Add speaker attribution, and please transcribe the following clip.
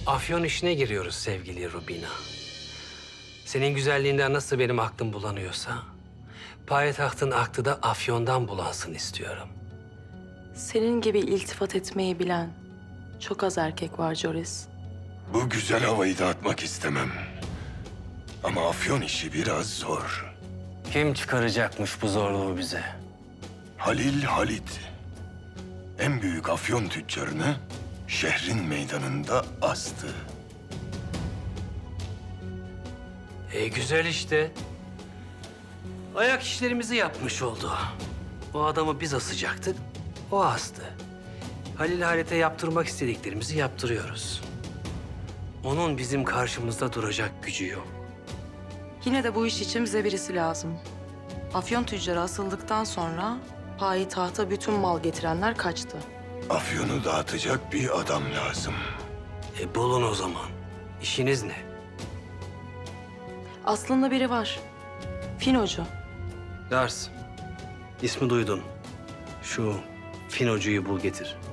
Speaker 1: Afyon işine giriyoruz sevgili Rubina. Senin güzelliğinden nasıl benim aklım bulanıyorsa... payitahtın aklı da Afyon'dan bulansın istiyorum.
Speaker 2: Senin gibi iltifat etmeyi bilen çok az erkek var Joris.
Speaker 3: Bu güzel havayı dağıtmak istemem. Ama Afyon işi biraz zor.
Speaker 1: Kim çıkaracakmış bu zorluğu bize?
Speaker 3: Halil Halit. En büyük Afyon tüccarını şehrin meydanında astı.
Speaker 1: Güzel işte. Ayak işlerimizi yapmış oldu. O adamı biz asacaktık, o astı. Halil Halit'e yaptırmak istediklerimizi yaptırıyoruz. Onun bizim karşımızda duracak gücü yok.
Speaker 2: Yine de bu iş için bize birisi lazım. Afyon tüccarı asıldıktan sonra payitahta bütün mal getirenler kaçtı.
Speaker 3: Afyon'u dağıtacak bir adam lazım.
Speaker 1: Bulun o zaman. İşiniz ne?
Speaker 2: Aslında biri var. Finocu.
Speaker 1: Lars, ismi duydun. Şu Finocu'yu bul getir.